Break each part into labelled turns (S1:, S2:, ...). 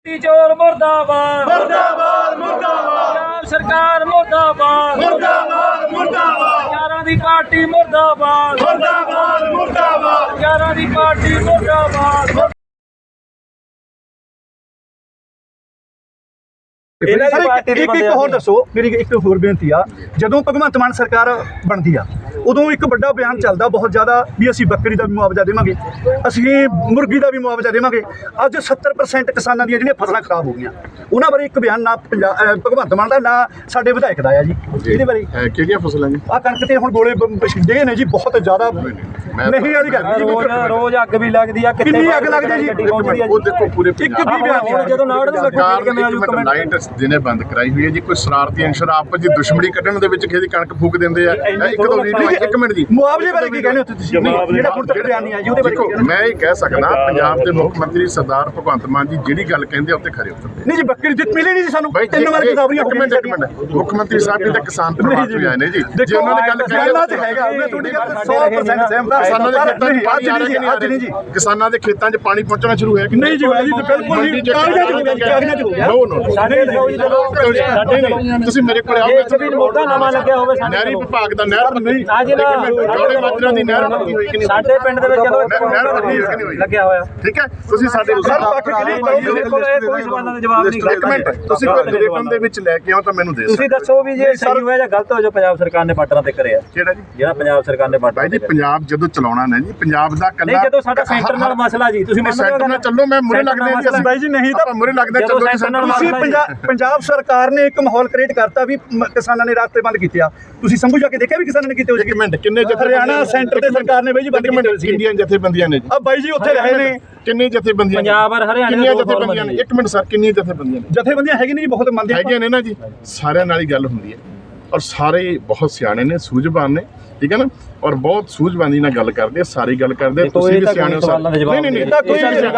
S1: चोर मुर्दाबाद
S2: मुर्दाबाद मुर्दाबाद
S1: पंजाब सरकार मुर्दाबाद
S2: मुर्दाबाद मुर्दाबाद
S1: यारां दी पार्टी मुर्दाबाद
S2: मुर्दाबाद मुर्दाबाद
S1: यारां दी पार्टी मुर्दाबाद
S3: ਇੱਕ ਹੋਰ ਦੱਸੋ ਮੇਰੀ ਇੱਕ ਹੋਰ ਬੇਨਤੀ ਆ ਜਦੋਂ ਭਗਵੰਤ ਮਾਨ ਸਰਕਾਰ ਬਣਦੀ ਆ ਉਦੋਂ ਇੱਕ ਵੱਡਾ ਬਿਆਨ ਚੱਲਦਾ ਬਹੁਤ ਜ਼ਿਆਦਾ ਵੀ ਅਸੀਂ ਬੱਕਰੀ ਦਾ ਵੀ ਮੁਆਵਜ਼ਾ ਦੇਵਾਂਗੇ, ਅਸੀਂ ਮੁਰਗੀ ਦਾ ਵੀ ਮੁਆਵਜ਼ਾ ਦੇਵਾਂਗੇ। ਅੱਜ 70% ਕਿਸਾਨਾਂ ਦੀਆਂ ਜਿਹੜੀਆਂ ਫਸਲਾਂ ਖਰਾਬ ਹੋ ਗਈਆਂ, ਉਹਨਾਂ ਬਾਰੇ ਇੱਕ ਬਿਆਨ ਨਾ ਭਗਵੰਤ ਮਾਨ ਦਾ ਨਾ ਸਾਡੇ ਵਿਧਾਇਕ ਦਾ ਆ ਜੀ। ਇਹਦੇ ਬਾਰੇ
S2: ਕਿਹੜੀਆਂ ਫਸਲਾਂ ਜੀ?
S3: ਆ ਕਣਕ ਤੇ ਹੁਣ ਗੋਲੇ ਛਿੱਡੇ ਨੇ ਜੀ ਬਹੁਤ ਜ਼ਿਆਦਾ। ਨਹੀਂ ਵਾਲੀ ਗੱਲ
S1: ਰੋਜ਼ ਅੱਗ ਵੀ ਲੱਗਦੀ ਆ,
S3: ਕਿੰਨੀ ਅੱਗ ਲੱਗਦੀ ਜੀ?
S2: ਉਹ ਦੇਖੋ ਪੂਰੇ
S3: ਇੱਕ ਵੀ ਬਿਆਨ
S1: ਜਦੋਂ ਨਾੜ ਨੂੰ
S2: ਸਰਕਾਰ ਨੇ ਲਾਈਟ ਜਿਹਨੇ ਬੰਦ ਕਰਾਈ ਹੋਈ ਹੈ ਜੀ। ਕੋਈ ਸ਼ਰਾਰਤੀ ਅੰਸ਼ਰ ਆਪਸ ਦੀ ਦੁਸ਼ਮਣੀ ਕੱਢਣ ਦੇ ਵਿੱਚ ਕਿਸੇ ਦੀ ਕਣਕ ਫੂਕ ਦਿੰਦੇ ਆ। ਇੱਕ ਦੋ ਵੀਡੀਓ ਇੱਕ ਮਿੰਟ ਜੀ,
S3: ਮੁਆਵਜ਼ੇ ਬਾਰੇ ਕੀ ਕਹਿੰਦੇ ਹੋ ਤੁਸੀਂ? ਜਿਹੜਾ ਹੁਣ ਤੱਕ ਬਿਆਨ ਨਹੀਂ ਆਇਆ ਜੀ ਉਹਦੇ ਬਾਰੇ
S2: ਮੈਂ ਇਹ ਕਹਿ ਸਕਦਾ ਪੰਜਾਬ ਦੇ ਮੁੱਖ ਮੰਤਰੀ ਸਰਦਾਰ ਭਗਵੰਤ ਮਾਨ ਜੀ ਜਿਹੜੀ ਗੱਲ ਕਹਿੰਦੇ ਆ ਉੱਤੇ ਖਰੇ ਉਤਰਦੇ।
S3: ਨਹੀਂ ਜੀ ਬੱਕਰੀ ਜਿੱਤ ਮਿਲੀ ਨਹੀਂ ਜੀ ਸਾਨੂੰ।
S2: ਬਾਈ
S3: ਤਿੰਨ ਵਾਰ ਕਿਤਾਬੀਆਂ
S2: ਇੱਕ ਮਿੰਟ ਮੁੱਖ ਮੰਤਰੀ ਸਾਹਿਬ ਜੀ ਤਾਂ ਕਿਸਾਨ ਪਰਿਵਾਰ ਤੋਂ ਆਏ ਨੇ ਜੀ। ਜੇ ਉਹਨਾਂ ਨੇ ਗੱਲ ਕਹੀ
S3: ਹੈਗਾ ਮੈਂ ਤੁਹਾਡੀ ਗੱਲ 100% ਸਹਿਮਤ ਹਾਂ।
S2: ਕਿਸਾਨਾਂ ਦੇ ਖੇਤਾਂ 'ਚ ਪਾਣੀ ਆ ਰਿਹਾ ਕਿ ਨਹੀਂ ਜੀ? ਕਿਸਾਨਾਂ ਦੇ ਖੇਤਾਂ 'ਚ ਪਾਣੀ ਪਹੁੰਚਣਾ ਸ਼ੁਰੂ ਹੋਇਆ ਕਿ
S3: ਨਹੀਂ ਜੀ? ਬਿਲਕੁਲ ਨਹੀਂ, ਕਾਗਜ਼ਾਂ 'ਚ ਹੋ ਗਿਆ, ਕਾਗਜ਼ਾਂ 'ਚ ਹੋ ਗਿਆ।
S2: ਨੋ ਸਾਡੇ ਤੁਸੀਂ ਮੇਰੇ ਕੋਲ ਆਓ।
S1: ਇੱਕ ਵੀ ਮੋਢਾ ਨਵਾਂ ਲੱਗਿਆ ਹੋਵੇ
S2: ਨਹਿਰੀ ਵਿਭਾਗ ਦਾ ਨਹਿਰ
S3: ਨਹੀਂ
S2: ਜੋੜੇ ਮਾਜਰਾ ਦੀ ਨਹਿਰ ਪੱਕੀ ਹੋਈ ਕਿ ਨਹੀਂ?
S1: ਸਾਡੇ ਪਿੰਡ ਦੇ ਵਿੱਚ ਜਦੋਂ
S2: ਨਹਿਰ ਪੱਕੀ ਹੋਈ ਕਿ ਨਹੀਂ ਹੋਈ?
S1: ਲੱਗਿਆ ਹੋਇਆ।
S2: ਠੀਕ ਹੈ, ਤੁਸੀਂ ਸਾਡੇ
S1: ਕੋਈ ਸਵਾਲਾਂ ਦਾ ਜਵਾਬ ਨਹੀਂ।
S2: ਇੱਕ ਮਿੰਟ, ਤੁਸੀਂ ਕੋਈ ਰਿਟਰਨ ਦੇ ਵਿੱਚ ਲੈ ਕੇ ਆਓ ਤਾਂ ਮੈਨੂੰ ਦੇ
S1: ਤੁਸੀਂ ਦੱਸੋ ਵੀ ਜੇ ਸਹੀ ਹੋਇਆ ਜਾਂ ਗਲਤ ਹੋਇਆ ਜੋ ਪੰਜਾਬ ਸਰਕਾਰ ਨੇ ਬਾਰਡਰਾਂ ਤੇ ਕਰਿਆ?
S2: ਕਿਹੜਾ ਜੀ?
S1: ਜਿਹੜਾ ਪੰਜਾਬ ਸਰਕਾਰ ਨੇ ਬਾਰਡਰਾਂ
S2: ਭਾਈ ਜੀ
S1: ਤੇ
S2: ਪੰਜਾਬ ਜਦੋਂ ਚਲਾਉਣਾ ਨਾ ਜੀ, ਪੰਜਾਬ ਦਾ
S1: ਨਹੀਂ,
S2: ਕੱਲਾ
S1: ਜਦੋਂ ਸਾਡਾ ਸੈਂਟਰ ਨਾਲ ਮਸਲਾ ਜੀ, ਤੁਸੀਂ
S2: ਸੈਂਟਰ ਨਾਲ ਚੱਲੋ। ਮੈਂ ਮੁਰੇ ਲੱਗਦੇ ਜੀ ਅਸੀਂ
S3: ਬਾਈ ਜੀ ਨਹੀਂ ਤਾਂ
S2: ਮੁਰੇ ਲੱਗਦਾ ਚੱਲੋ ਜੀ।
S3: ਤੁਸੀਂ ਪੰਜਾਬ ਸਰਕਾਰ ਨੇ ਇੱਕ ਮਾਹੌਲ ਕ੍ਰੀਏਟ ਕਰਤਾ ਵੀ ਕਿਸਾਨਾਂ ਨੇ ਰਾਸਤੇ ਬੰਦ ਕੀਤੇ ਆ। ਤੁਸੀਂ ਸੰਭੂ ਜਾ ਕੇ ਦੇਖਿਆ ਵੀ ਕਿਸਾਨਾਂ ਨੇ ਕੀਤੇ ਹੋਏ?
S2: ਇੱਕ ਮਿੰਟ, ਕਿੰਨੇ
S3: ਹਰਿਆਣਾ ਸੈਂਟਰ ਤੇ ਸਰਕਾਰ ਨੇ ਬਾਈ ਜੀ ਬੰਦ ਕੀਤੇ ਸੀ।
S2: ਕਿੰਨੀਆਂ ਜਥੇਬੰਦੀਆਂ ਨੇ ਜੀ?
S3: ਆ ਬਾਈ ਜੀ ਉੱਥੇ ਰਹੇ ਨੇ।
S2: ਕਿੰਨੇ ਜਥੇਬੰਦੀਆਂ?
S1: ਪੰਜਾਬ ਔਰ ਹਰਿਆਣਾ
S2: ਕਿੰਨੀਆਂ ਜਥੇਬੰਦੀਆਂ ਨੇ? ਇੱਕ ਮਿੰਟ ਸਰ, ਕਿੰਨੀਆਂ ਜਥੇਬੰਦੀਆਂ ਨੇ?
S3: ਜਥੇਬੰਦੀਆਂ ਹੈਗੀ ਨਹੀਂ ਜੀ, ਬਹੁਤ ਮੰਨਦੇ
S2: ਹੈਗੀਆਂ ਨੇ ਨਾ ਜੀ। ਸਾਰਿਆਂ ਨਾਲ ਹੀ ਗੱਲ ਹੁੰਦੀ ਹੈ ਔਰ ਸਾਰੇ ਬਹੁਤ ਸਿਆਣੇ ਨੇ, ਸੂਝਵਾਨ ਨੇ, ਠੀਕ ਹੈ ਨਾ, ਔਰ ਬਹੁਤ ਸੂਝਵਾਨੀ ਨਾਲ ਗੱਲ ਕਰਦੇ ਆ, ਸਾਰੀ ਗੱਲ ਕਰਦੇ ਆ। ਤੁਸੀਂ ਵੀ ਸਿਆਣੇ ਹੋ। ਨਹੀਂ ਨਹੀਂ
S3: ਤਾਂ ਕੋਈ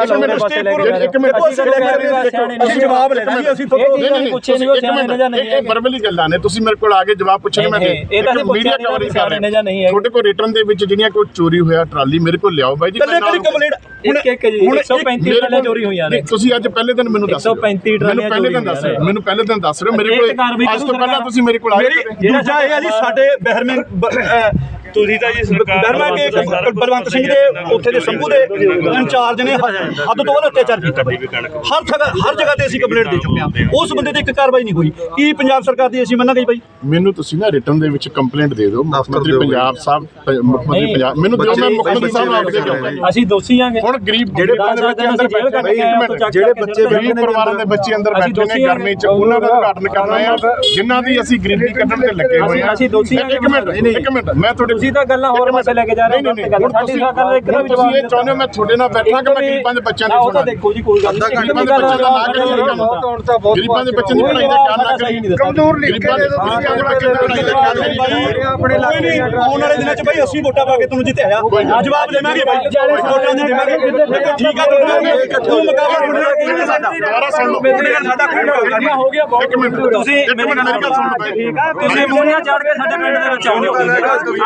S3: ਇੱਕ ਮਿੰਟ ਅਸੀਂ ਜਵਾਬ ਲੈਣਾ ਜੀ। ਅਸੀਂ
S2: ਨਹੀਂ ਪੁੱਛੇ ਨਹੀਂ, ਇਹ ਵਰਬਲੀ ਗੱਲਾਂ ਨੇ। ਤੁਸੀਂ ਮੇਰੇ ਕੋਲ ਆ ਕੇ ਜਵਾਬ ਪੁੱਛਣੇ, ਮੈਂ ਮੀਡੀਆ ਕਵਰੇਜ ਕਰ ਰਿਹਾ। ਤੁਹਾਡੇ ਕੋਲ ਰਿਟਰਨ ਦੇ ਵਿੱਚ ਜਿਹੜੀਆਂ ਕੋਈ ਚੋਰੀ ਹੋਇਆ ਟਰਾਲੀ ਮੇਰੇ ਕੋਲ ਲਿਆਓ ਬਾਈ ਜੀ।
S1: ਇੱਕ ਜੀ 135 ਟਰਾਲੀਆਂ ਚੋਰੀ ਹੋਈਆਂ ਨੇ।
S2: ਤੁਸੀਂ ਅੱਜ ਪਹਿਲੇ ਦਿਨ ਮੈਨੂੰ ਦੱਸ
S1: 135 ਟਰਾਲੀਆਂ
S2: ਮੈਨੂੰ ਪਹਿਲੇ ਦਿਨ ਦੱਸ ਰਹੇ ਹੋ। ਮੇਰੇ ਕੋਲ ਅੱਜ ਤੋਂ ਪਹਿਲਾਂ ਤੁਸੀਂ ਮੇਰੇ ਕੋਲ ਆਏ।
S3: ਦੂਜਾ ਇਹ ਹੈ ਜੀ ਸਾਡੇ ਬਹਿਰਮੇ ਤੁਸੀਂ ਤਾਂ ਜੀ ਸਰਕਾਰ ਕੇ ਬਲਵੰਤ ਸਿੰਘ ਦੇ ਉੱਥੇ ਦੇ ਸੰਭੂ ਦੇ ਇੰਚਾਰਜ ਨੇ ਹੱਦ ਤੋਂ ਵੱਧ ਅਤਿਆਚਾਰ ਕੀਤਾ। ਹਰ ਜਗ੍ਹਾ ਤੇ ਅਸੀਂ ਕੰਪਲੇਂਟ ਦੇ ਚੁੱਕੇ ਹਾਂ। ਉਸ ਬੰਦੇ ਤੇ ਇੱਕ ਕਾਰਵਾਈ ਨਹੀਂ ਹੋਈ। ਕੀ ਪੰਜਾਬ ਸਰਕਾਰ ਦੀ ਅਸੀਂ ਮੰਨਾਂਗੇ ਬਾਈ?
S2: ਮੈਨੂੰ ਤੁਸੀਂ ਨਾ ਰਿਟਰਨ ਦੇ ਵਿੱਚ ਕੰਪਲੇਂਟ ਦੇ ਦਿਓ। ਮੁੱਖ ਮੰਤਰੀ ਪੰਜਾਬ ਸਾਹਿਬ, ਮੁੱਖ ਮੰਤਰੀ ਪੰਜਾਬ ਮੈਨੂੰ ਦਿਓ। ਮੈਂ ਮੁੱਖ ਮੰਤਰੀ ਸਾਹਿਬ ਨੂੰ ਆਪ ਦੇ ਦਿਆਂਗਾ।
S1: ਅਸੀਂ ਦੋਸ਼ੀ ਆਂਗੇ।
S2: ਹੁਣ ਗਰੀਬ ਜਿਹੜੇ ਬੱਚੇ ਅੰਦਰ ਜਿਹੜੇ ਬੱਚੇ ਗਰੀਬ ਪਰਿਵਾਰਾਂ ਦੇ ਬੱਚੇ ਅੰਦਰ ਬੈਠੇ ਨੇ ਗਰਮੀ ਚ, ਉਹਨਾਂ ਦਾ ਉਦਘਾਟਨ ਕਰਨਾ ਹੈ ਜਿਨ੍ਹਾਂ ਦੀ ਅਸੀਂ ਗਰੀਬੀ ਕੱਢਣ ਤੇ ਲੱਗੇ ਹੋਏ ਹਾਂ।
S1: ਅਸੀਂ ਦੋਸ਼ੀ ਹਾਂ।
S2: ਇੱਕ ਮਿੰਟ ਮੈਂ ਤੁਹਾਡੇ
S1: ਤੁਸੀਂ ਤਾਂ ਗੱਲਾਂ ਹੋਰ ਮਸਲੇ ਲੈ ਕੇ ਜਾ ਰਹੇ ਹੋ। ਸਾਡੀ ਸਰਕਾਰ ਇੱਕ ਦਾ ਵੀ ਜਵਾਬ
S2: ਇਹ ਚਾਹੁੰਦੇ ਹੋ ਮੈਂ ਤੁਹਾਡੇ ਨਾਲ ਬੈਠਾ ਕਿ ਮੈਂ ਗਰੀਬਾਂ ਦੇ ਬੱਚਿਆਂ ਦੀ
S1: ਉਹ ਤਾਂ ਦੇਖੋ ਜੀ ਕੋਈ ਗੱਲ ਨਹੀਂ।
S2: ਗਰੀਬਾਂ ਦੇ ਬੱਚਿਆਂ ਦਾ ਨਾ ਕਰੀਏ। ਗਰੀਬਾਂ ਦੇ ਬੱਚਿਆਂ ਦੀ ਪੜ੍ਹਾਈ ਦਾ ਖਿਆਲ ਨਾ ਕਰੀਏ।
S3: ਕਮਜ਼ੋਰ ਗਰੀਬਾਂ ਦੇ ਬੱਚਿਆਂ ਦੀ ਪੜ੍ਹਾਈ ਦਾ ਖਿਆਲ ਨਹੀਂ। ਆਪਣੇ ਇਲਾਕੇ ਆਉਣ ਵਾਲੇ ਦਿਨਾਂ 'ਚ ਬਾਈ ਅਸੀਂ ਵੋਟਾਂ ਪਾ ਕੇ ਤੁਹਾਨੂੰ ਜਿੱਤਿਆ ਜਵਾਬ ਦੇਵਾਂਗੇ ਬਾਈ। ਵੋਟਾਂ ਦੇ ਦੇਵਾਂਗੇ। ਠੀਕ ਆ ਤੂੰ ਮੁਕਾਬਲਾ ਸਾਡਾ ਦੁਬਾਰਾ ਸੁਣ ਲਓ। ਸਾਡਾ ਹੋ ਗਿਆ
S2: ਇੱਕ ਮਿੰਟ
S1: ਤੁਸੀਂ
S2: ਮੇਰੀ ਗੱਲ ਸੁਣ ਲਓ।
S1: ਠੀਕ ਆ ਤੁਸੀਂ ਮੂਹਰੀਆਂ ਚੜ ਕੇ ਸਾਡੇ ਪਿੰਡ ਦੇ ਵਿੱਚ ਆਉਂਦੇ ਹੋ।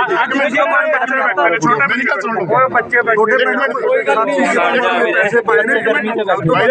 S2: ਮੇਰੀ ਗੱਲ ਸੁਣ ਲਓ।
S3: ਬੱਚੇ ਬੈਠੇ
S1: ਕੋਈ ਗੱਲ ਨਹੀਂ।
S3: ਪੈਸੇ ਪਾਏ ਨੇ ਗਰਮੀ ਚ
S2: ਅੱਛਾ 20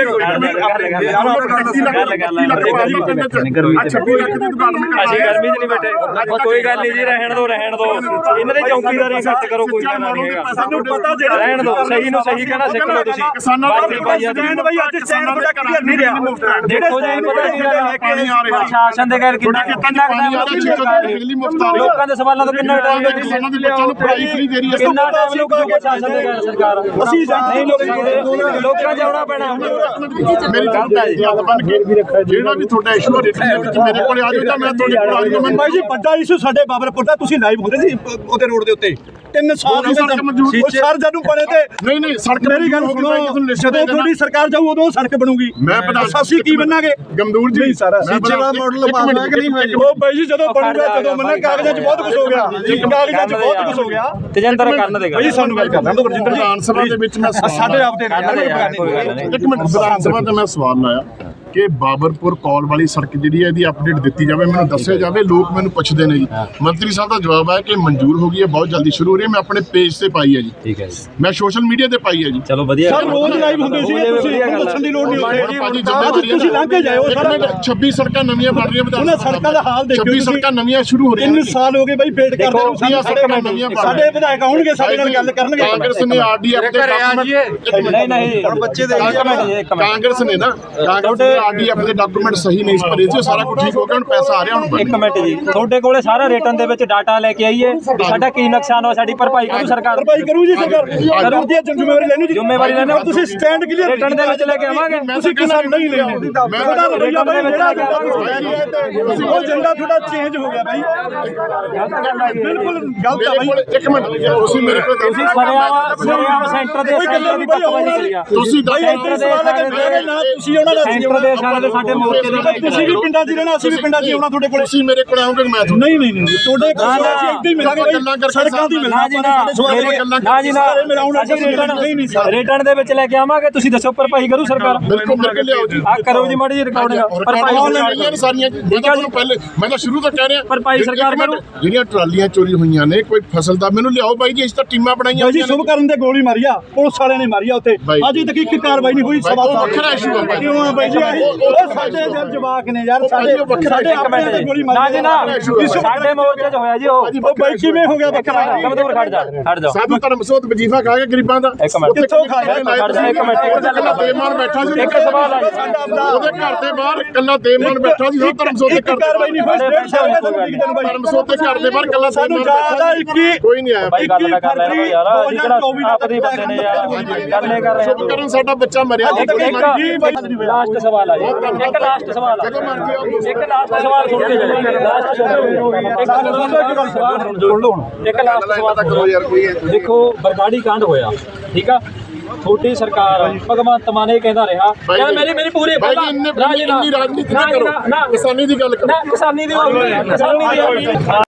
S2: ਲੱਖ ਦੀ ਦੁਕਾਨ ਮੈਂ
S1: ਅਸੀਂ ਗਰਮੀ 'ਚ ਨਹੀਂ ਬੈਠੇ। ਕੋਈ ਗੱਲ ਨਹੀਂ ਜੀ, ਰਹਿਣ ਦੋ ਇਹਨਾਂ ਦੇ ਚੌਕੀਦਾਰੀ ਘੱਟ ਕਰੋ। ਕੋਈ ਗੱਲ ਨਹੀਂ ਹੈਗਾ,
S3: ਸਾਨੂੰ ਪਤਾ ਜਿਹੜਾ
S1: ਰਹਿਣ ਦੋ। ਸਹੀ ਨੂੰ ਸਹੀ ਕਹਿਣਾ ਸਿੱਖ ਲਓ ਤੁਸੀਂ।
S2: ਕਿਸਾਨਾਂ ਦਾ
S3: ਸਟੈਂਡ ਬਾਈ ਅੱਜ ਸਟੈਂਡ ਤੁਹਾਡਾ ਕਲੀਅਰ ਨਹੀਂ ਰਿਹਾ।
S1: ਦੇਖੋ ਜੀ ਪਤਾ
S2: ਪਾਣੀ ਆ ਰਿਹਾ
S1: ਪ੍ਰਸ਼ਾਸਨ ਦੇ ਘਰ ਕਿੰਨਾ
S2: ਪਾਣੀ ਆ ਰਿਹਾ। ਬਿਜਲੀ ਮੁਫਤ ਆ ਰਹੀ ਹੈ।
S1: ਲੋਕਾਂ ਦੇ ਸਵਾਲਾਂ ਤੋਂ ਕਿੰਨਾ ਟਾਈਮ ਲੱਗਦਾ?
S2: ਕਿਸਾਨਾਂ ਦੇ ਬੱਚਿਆਂ ਨੂੰ ਪੜ੍ਹਾਈ ਫ੍ਰੀ ਦੇ ਰਹੀ ਹੈ।
S1: ਕਿੰਨਾ ਟਾਈਮ ਲੱਗੂਗਾ ਪ੍ਰਸ਼ਾਸਨ ਦੇ ਘਰ ਸਰਕਾਰ? ਅਸੀਂ ਨਹੀਂ ਲੋਕਾਂ 'ਚ ਆਉਣਾ ਪੈਣਾ।
S2: ਮੇਰੀ ਗੱਲ ਹੈ ਹੱਥ ਬਣ ਕੇ ਜਿਹੜਾ ਵੀ ਤੁਹਾਡਾ ਇਸ਼ੂ ਰਿਟਰਨ ਦੇ ਵਿੱਚ ਮੇਰੇ ਕੋਲ ਆ ਜਾਓ ਤਾਂ ਮੈਂ ਤੁਹਾਡੇ ਕੋਲ ਆ ਜਾਊਂਗਾ।
S3: ਬਾਈ ਜੀ ਵੱਡਾ ਇਸ਼ੂ ਸਾਡੇ ਬਾਬਰਪੁਰ ਦਾ ਤੁਸੀਂ ਲਾਈਵ ਹੁੰਦੇ ਸੀ ਉਹਦੇ ਰੋਡ ਦੇ ਉੱਤੇ 3 ਸਾਲ ਸਰ ਜਦੋਂ ਬਣੇ ਤੇ
S2: ਨਹੀਂ ਸੜਕ
S3: ਮੇਰੀ ਗੱਲ ਸੁਣੋ। ਜਦੋਂ ਤੁਹਾਡੀ ਸਰਕਾਰ ਜਾਊ ਉਦੋਂ ਸੜਕ ਬਣੂਗੀ।
S2: ਮੈਂ
S3: ਅਸੀਂ ਕੀ ਬਣਾਂਗੇ?
S2: ਗਮਦੂਰ ਜੀ
S3: ਸਾਰਾ ਸੀਚੇ ਦਾ ਮਾਡਲ ਪਾਣਾ ਕਿ ਨਹੀਂ? ਉਹ ਬਾਈ ਜੀ ਜਦੋਂ ਬਣੂਗਾ ਜਦੋਂ ਮੰਨਾਂ ਕਾਗਜ਼ਾਂ 'ਚ ਬਹੁਤ ਕੁਝ ਹੋ ਗਿਆ। ਕਾਗਜ਼ਾਂ 'ਚ ਬਹੁਤ ਕੁਝ ਹੋ ਗਿਆ।
S1: ਤੇਜਿੰਦਰ ਕਰਨ ਦੇਗਾ
S3: ਬਾਈ ਸਾਨੂੰ ਗੱਲ ਕਰਨਾ ਦੋ ਰਜਿੰਦਰ ਜੀ।
S2: ਵਿਧਾਨ ਸਭਾ ਦੇ ਵਿੱਚ ਮੈਂ
S3: ਸਾਡੇ ਆਪ ਦੇ
S2: ਇੱਕ ਮਿੰਟ ਵਿਧਾਨ ਸਭਾ ਤੇ ਮੈਂ ਸਵਾਲ ਲਾਇਆ ਕਿ ਬਾਬਰਪੁਰ ਕੌਲ ਵਾਲੀ ਸੜਕ ਜਿਹੜੀ ਹੈ ਇਹਦੀ ਅਪਡੇਟ ਦਿੱਤੀ ਜਾਵੇ, ਮੈਨੂੰ ਦੱਸਿਆ ਜਾਵੇ। ਲੋਕ ਮੈਨੂੰ ਪੁੱਛਦੇ ਨੇ ਜੀ। ਮੰਤਰੀ ਸਾਹਿਬ ਦਾ ਜਵਾਬ ਹੈ ਕਿ ਮਨਜ਼ੂਰ ਹੋ ਗਈ ਹੈ, ਬਹੁਤ ਜਲਦੀ ਸ਼ੁਰੂ ਹੋ ਰਹੀ ਹੈ। ਮੈਂ ਆਪਣੇ ਪੇਜ ਤੇ ਪਾਈ ਹੈ ਜੀ,
S1: ਠੀਕ ਹੈ ਜੀ,
S2: ਮੈਂ ਸੋਸ਼ਲ ਮੀਡੀਆ ਤੇ ਪਾਈ ਹੈ ਜੀ।
S1: ਚਲੋ ਵਧੀਆ
S3: ਸਰ ਰੋਜ਼ ਲਾਈਵ ਹੁੰਦੇ ਸੀ, ਤੁਸੀਂ ਦੱਸਣ ਦੀ ਲੋੜ ਨਹੀਂ
S2: ਭਾਜੀ
S3: ਹੁੰਦੀ। ਤੁਸੀਂ ਲੰਘ ਕੇ ਜਾਓ ਸਰ।
S2: 26 ਸੜਕਾਂ ਨਵੀਆਂ ਬਣ ਰਹੀਆਂ ਵਿਧਾਨ
S3: ਉਹਨਾਂ ਸੜਕਾਂ ਦਾ ਹਾਲ ਦੇਖੋ
S2: 26 ਸੜਕਾਂ ਨਵੀਆਂ ਸ਼ੁਰੂ ਹੋ ਰਹੀਆਂ
S3: 3 ਸਾਲ ਹੋ ਗਏ ਬਾਈ ਵੇਟ ਕਰਦੇ ਨੂੰ। ਸਾਡੇ ਵਿਧਾਇਕ ਆਉਣਗੇ, ਸਾਡੇ ਨਾਲ ਗੱਲ ਕਰਨਗੇ।
S2: ਕਾਂਗਰਸ ਨੇ ਆਰਡੀਐਫ ਦੇ ਡਾਕੂਮੈਂਟ
S1: ਨਹੀਂ ਹੁਣ ਬੱਚੇ ਦੇ
S2: ਕਾਂਗਰਸ ਨੇ ਨਾ ਕਾਂਗਰਸ ਨੇ ਆਰਡੀਐਫ ਦੇ ਡਾਕੂਮੈਂਟ ਸਹੀ ਨਹੀਂ ਭਰੇ ਸੀ, ਸਾਰਾ ਕੁਝ ਠੀਕ ਹੋ ਗਿਆ, ਹੁਣ ਪੈਸਾ ਆ ਰਿਹਾ। ਹੁਣ
S1: ਇੱਕ ਮਿੰਟ ਜੀ, ਤੁਹਾਡੇ ਕੋਲੇ ਸਾਰਾ ਰਿਟਰਨ ਦੇ ਵਿੱਚ ਡਾਟਾ ਲੈ ਕੇ ਆਈਏ ਵੀ ਸਾਡਾ ਕੀ ਨੁਕਸਾਨ ਹੋਇਆ, ਸਾਡੀ ਭਰਪਾਈ ਕਰੂ ਸਰਕਾਰ?
S3: ਭਰਪਾਈ ਕਰੂ ਜੀ ਸਰਕਾਰ, ਕਰਦੀ ਹੈ। ਜ਼ਿੰਮੇਵਾਰੀ ਲੈਣੀ ਜੀ,
S1: ਜ਼ਿੰਮੇਵਾਰੀ ਲੈਣੀ।
S3: ਤੁਸੀਂ ਸਟੈਂਡ ਕਲੀਅਰ
S1: ਰਿਟਰਨ ਦੇ ਵਿੱਚ ਲੈ ਕੇ ਆਵਾਂਗੇ।
S3: ਤੁਸੀਂ ਕਿਸਾਨ ਨਹੀਂ ਲੈਣੀ। ਤੁਹਾਡਾ ਰਵੱਈਆ ਬਾਈ ਜਿਹੜਾ ਉਹ ਏਜੰਡਾ ਤੁਹਾਡਾ ਚੇਂਜ ਹੋ ਗਿਆ ਬਾਈ, ਬਿਲਕੁਲ ਗਲਤ ਆ ਬਾਈ।
S2: ਇੱਕ ਮਿੰਟ ਤੁਸੀਂ ਮੇਰੇ ਕੋਲ
S1: ਤੁਸੀਂ ਸਰਿਆਮ ਸੈਂਟਰ ਦੇ ਸੈਂਟਰ ਦੀ ਪੱਕਵਾਜੀ ਕਰੀ ਆ।
S2: ਤੁਸੀਂ
S1: ਸੈਂਟਰ ਦੇ
S3: ਤੁਸੀਂ ਉਹਨਾਂ ਦਾ
S1: ਸੈਂਟਰ ਦੇ ਸਾਡੇ ਮੋਰਚੇ ਦੇ
S3: ਤੁਸੀਂ ਵੀ ਪਿੰਡਾਂ 'ਚ ਰਹਿਣਾ, ਅਸੀਂ ਵੀ ਪਿੰਡਾਂ 'ਚ ਆਉਣਾ ਤੁਹਾਡੇ ਕੋਲ।
S2: ਤੁਸੀਂ ਮੇਰੇ ਕੋਲ ਆਓਗੇ ਮੈਂ
S3: ਨਹੀਂ ਤੁਹਾਡੇ ਕੋਲ ਅਸੀਂ ਇੱਦਾਂ ਹੀ ਮਿਲਾਂਗੇ ਬਾਈ, ਸੜਕਾਂ ਦੀ
S1: ਨਾ ਜੀ ਨਾ ਜੀ ਨਾ ਰਿਟਰਨ ਦੇ ਵਿੱਚ ਲੈ ਕੇ ਆਵਾਂਗੇ। ਤੁਸੀਂ ਦੱਸੋ ਭਰਪਾਈ ਕਰੂ ਸਰਕਾਰ?
S2: ਬਿਲਕੁਲ ਮੇਰੇ ਕੋਲ ਲਿਆਓ ਜੀ।
S1: ਆ ਕਰੋ ਜੀ ਮਾੜੀ ਜੀ ਰਿਕਾਰਡਿੰਗ ਭਰਪਾਈ
S2: ਸਾਰੀਆਂ ਪਹਿਲੇ ਮੈਂ ਤਾਂ ਸ਼ੁਰੂ ਤੋਂ ਕਹਿ ਰਿਹਾ
S1: ਭਰਪਾਈ ਸਰਕਾਰ ਕਰੂ।
S2: ਜਿਹੜੀਆਂ ਟਰਾਲੀਆਂ ਚੋਰੀ ਹੋਈਆਂ ਨੇ ਕੋਈ ਫਸਲ ਦਾ ਮੈਨੂੰ ਲਿਆਓ ਬਾਈ ਜੀ। ਅਸੀਂ ਤਾਂ ਟੀਮਾਂ ਬਣਾਈਆਂ
S3: ਜੀ ਸ਼ੁਭ ਕਰਨ ਦੇ ਗੋਲੀ ਮਾਰੀ ਆ, ਪੁਲਿਸ ਵਾਲਿਆਂ ਨੇ ਮਾਰੀ ਆ ਉੱਥੇ। ਅਜੇ ਤੱਕ ਇੱਕ ਕਾਰਵਾਈ ਨਹੀਂ ਹੋਈ। ਸਵਾ ਸਾਲ
S2: ਵੱਖਰਾ ਇਸ਼ੂ ਹੈ
S3: ਕਿਉਂ ਆ ਬਾਈ ਜੀ? ਉਹ ਸਾਡੇ ਜਲ ਜਵਾਕ ਨੇ ਯਾਰ, ਸਾਡੇ ਆਪਣੇ ਤੇ ਗੋਲੀ ਮਾਰੀ।
S1: ਨਾ ਜੀ ਨਾ ਸਾਡੇ ਮੋਰਚੇ 'ਚ ਹੋਇਆ ਜੀ। ਉਹ
S3: ਬਾਈ ਕਿਵੇਂ ਹੋ ਗਿਆ ਵੱਖਰਾ?
S1: ਕਮਜ਼ੋਰ ਖੜ ਜਾ
S2: ਸਾਧੂ ਧਰਮ ਸੋਤ ਵਜੀਫਾ ਖਾ ਕੇ ਗਰੀਬਾਂ ਦਾ
S3: ਕਿੱਥੋਂ ਖਾਇਆ?
S1: ਇੱਕ ਮਿੰਟ
S2: ਬੇਮਾਨ ਬੈਠਾ ਸੀ।
S1: ਇੱਕ ਸਵਾਲ ਆ
S2: ਉਹਦੇ ਘਰ ਦੇ ਬਾਹਰ ਕੱਲਾ ਬੇਮਾਨ ਬੈਠਾ ਸੀ। ਧਰਮ ਸੋਤ ਦੇ ਘਰ
S3: ਕਾਰਵਾਈ ਨਹੀਂ ਹੋਈ।
S2: ਧਰਮ ਸੋਤ ਦੇ ਘਰ ਦੇ ਬਾਹਰ ਕੱਲਾ
S3: ਸਾਨੂੰ ਜ਼ਿਆਦਾ 21
S2: ਕੋਈ ਨਹੀਂ ਆਇਆ।
S1: ਬਾਈ ਗੱਲ ਕਰ ਲੈ ਯਾਰ, ਅਸੀਂ ਕਿਹੜਾ ਆਪਦੇ ਬੰਦੇ ਨੇ ਯਾਰ, ਗੱਲ ਨਹੀਂ ਕਰ ਰਹੇ।
S2: ਸ਼ੁਭ ਕਰਨ ਸਾਡਾ ਬੱਚਾ ਮਰਿਆ।
S1: ਲਾਸਟ ਸਵਾਲ ਆ ਜੀ, ਇੱਕ ਲਾਸਟ ਸਵਾਲ ਆ, ਇੱਕ ਲਾਸਟ ਸਵਾਲ ਸੁਣ ਕੇ ਜਾਓ। ਲਾਸਟ ਸੁਣ ਲਓ ਹੁਣ। ਇੱਕ ਲਾਸਟ ਸਵਾਲ ਦੇਖੋ, ਬਰਗਾੜੀ ਕਾਂਡ ਹੋਇਆ, ਠੀਕ ਆ। ਛੋਟੀ ਸਰਕਾਰ ਭਗਵੰਤ ਮਾਨ ਇਹ ਕਹਿੰਦਾ ਰਿਹਾ ਯਾਰ ਮੇਰੀ ਪੂਰੀ
S2: ਇੰਨੀ ਰਾਜਨੀਤੀ ਨਾ ਕਰੋ, ਕਿਸਾਨੀ ਦੀ ਗੱਲ ਕਰੋ।
S1: ਕਿਸਾਨੀ ਦੀ